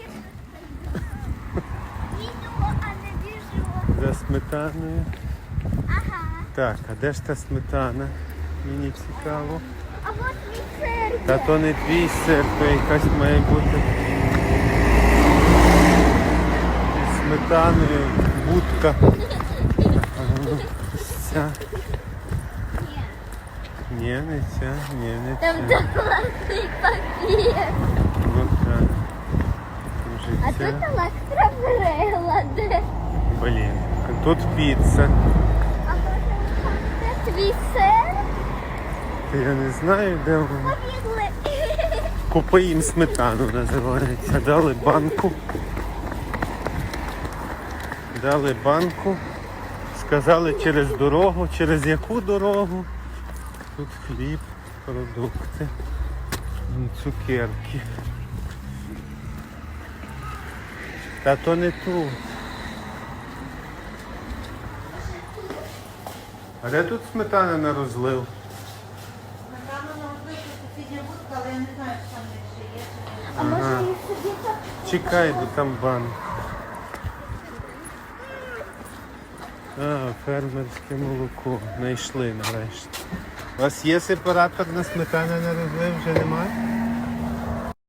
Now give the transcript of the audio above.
Відео, а не біжу. За сметаною. Ага. Так, а де ж та сметана? Мені цікаво. А от мій сир. Та то не твій сир, то якась має бути зі сметаною, будка. Ось ця. Ні, не ця, ні, не Там ця. туалетний папір. Ну так. А Вже тут ця. електроприлади. Блін, а тут піца. А може це твій сир? Та я не знаю, де вона. Побігли. Купи їм сметану називається. Дали банку. Дали банку. Сказали через дорогу. Через яку дорогу? Тут хліб, продукти, цукерки. Та то не тут. А де тут сметана на розлив? Напевно, на розбиту сусідня будка, але я не знаю, що там ще є. А може їх собі так? Чекай, бо там банк. А, фермерське молоко. Знайшли нарешті. У вас є сепаратор на сметану на розлив? Вже немає?